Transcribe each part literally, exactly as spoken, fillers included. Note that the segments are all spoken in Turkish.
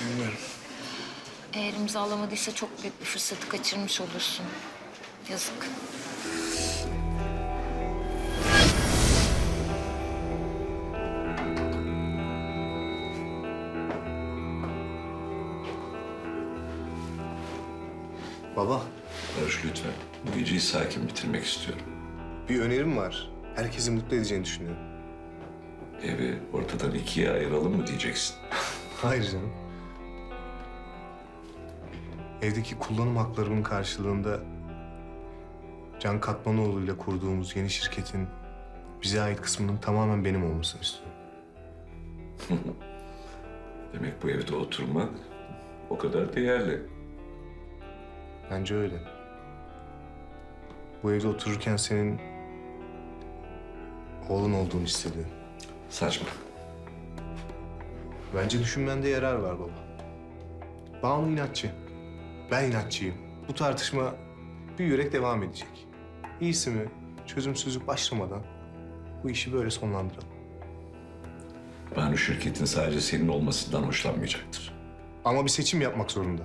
bilmiyorum. Eğer imzalamadıysa çok büyük bir fırsatı kaçırmış olursun. Yazık. Baba, Barış lütfen. Bu geceyi sakin bitirmek istiyorum. bir önerim var. Herkesi mutlu edeceğini düşünüyorum. Evi ortadan ikiye ayıralım mı diyeceksin? Hayır canım. Evdeki kullanım haklarımın karşılığında Can Katmanoğlu ile kurduğumuz yeni şirketin bize ait kısmının tamamen benim olmasını istiyorum. Demek bu evde oturmak o kadar değerli. Bence öyle. Bu evde otururken senin oğlun olduğunu hissediyorum. Saçma. Bence düşünmende yarar var baba. Banu inatçı. Ben inatçıyım. Bu tartışma bir yürek devam edecek. İyisi mi çözümsüzlük başlamadan bu işi böyle sonlandıralım. Banu şirketin sadece senin olmasından hoşlanmayacaktır. Ama bir seçim yapmak zorunda.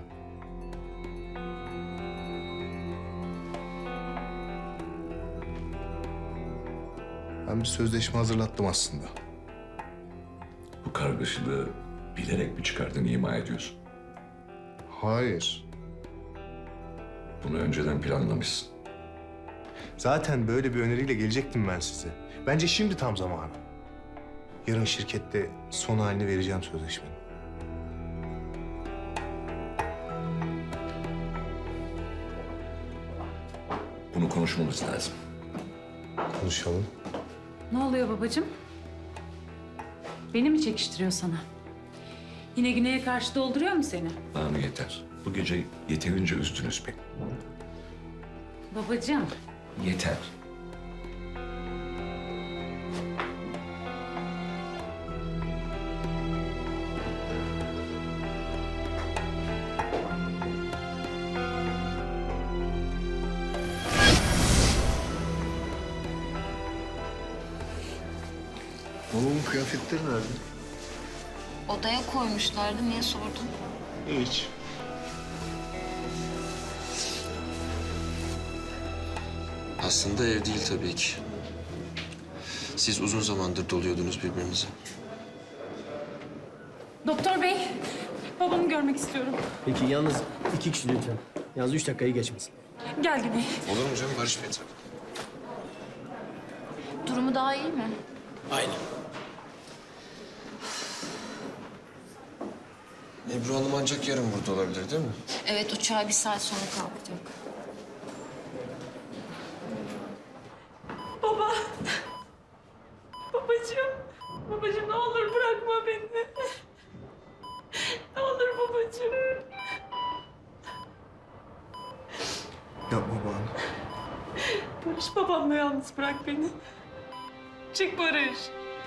Ben bir sözleşme hazırlattım aslında. Bu kargaşalığı bilerek mi çıkardın, ima ediyorsun? Hayır. Bunu önceden planlamışsın. Zaten böyle bir öneriyle gelecektim ben size. Bence şimdi tam zamanı. Yarın şirkette son halini vereceğim sözleşmenin. Bunu konuşmamız lazım. Konuşalım. Ne oluyor babacığım? Beni mi çekiştiriyor sana? Yine Güney'e karşı dolduruyor mu seni? Banu yeter. Bu gece yeterince üzdünüz beni. Babacığım, Yeter. Oğlum kıyafetleri nerede? Odaya koymuşlardı. Niye sordun? Hiç. Aslında ev değil tabii ki. Siz uzun zamandır doluyordunuz birbirinize. doktor bey, babamı görmek istiyorum. Peki yalnız iki kişi lütfen. Yalnız üç dakikayı geçmesin. Gel Güney. Olur mu canım Barış Bey? Durumu daha iyi mi? Aynen. Ebru Hanım ancak yarın burada olabilir değil mi? Evet, uçağa bir saat sonra kalkacak. Baba. Babacığım. Babacığım ne olur bırakma beni. Ne olur babacığım. Yapma Banu. Barış, babamla yalnız bırak beni. Çık Barış.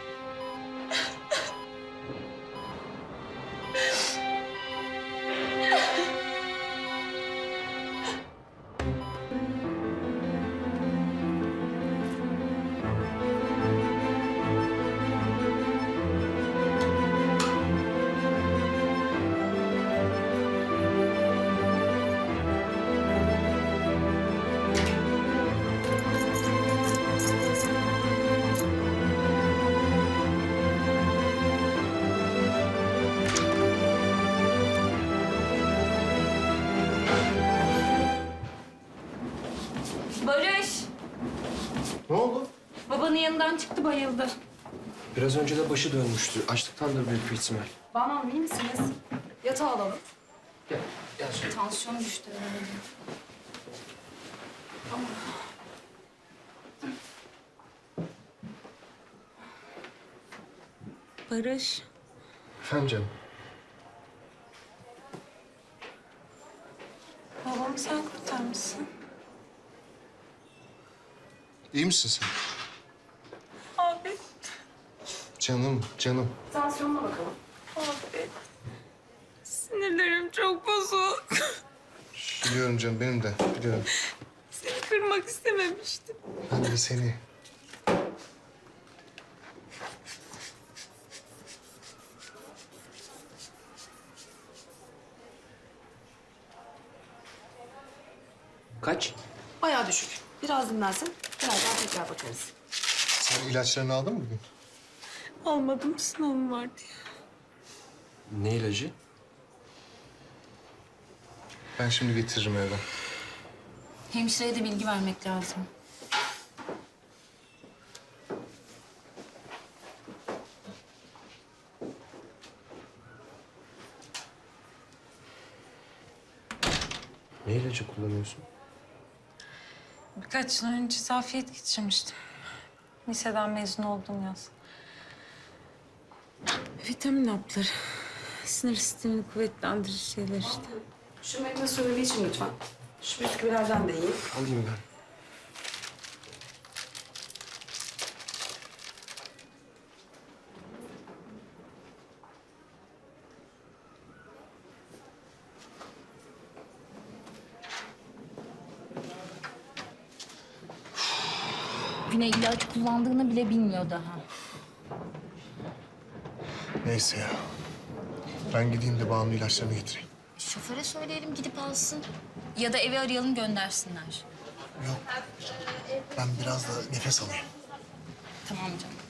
Barış, Ne oldu? babanın yanından çıktı, bayıldı. Biraz önce de başı dönmüştü. Açlıktandır büyük bir ihtimal. Banu Hanım, iyi misiniz? Yatağa alalım. Gel, gel şöyle. Tansiyon düştü herhalde. Barış. Efendim canım. Babamı sen kurtarmışsın. İyi misin sen? Abi. Canım, canım. Tansiyonuna bakalım. Abi. Sinirlerim çok bozuk. Biliyorum canım, benim de. Biliyorum. Seni kırmak istememiştim. Ben de seni. Kaç? Bayağı düşük. Biraz dinlensin. Birazdan tekrar bakarız. Sen ilaçlarını aldın mı bugün? Almadım. Sınavım var diye. Ne ilacı? Ben şimdi getiririm evden. Hemşireye de bilgi vermek lazım. Ne ilacı kullanıyorsun? Birkaç yıl önce zafiyet geçirmiştim. Liseden mezun oldum yaz. Vitamin hapları. Sinir sistemini kuvvetlendirir şeyler işte. Şu meyve suyunu bir için lütfen. Şu bisküvilerden de yiyin. Alayım ben. Güney ilaç kullandığını bile bilmiyor daha. Neyse ya. Ben gideyim de Banu'nun ilaçlarını getireyim. Şoföre söyleyelim gidip alsın. Ya da eve arayalım göndersinler. Yok. Ben biraz da nefes alayım. Tamam canım.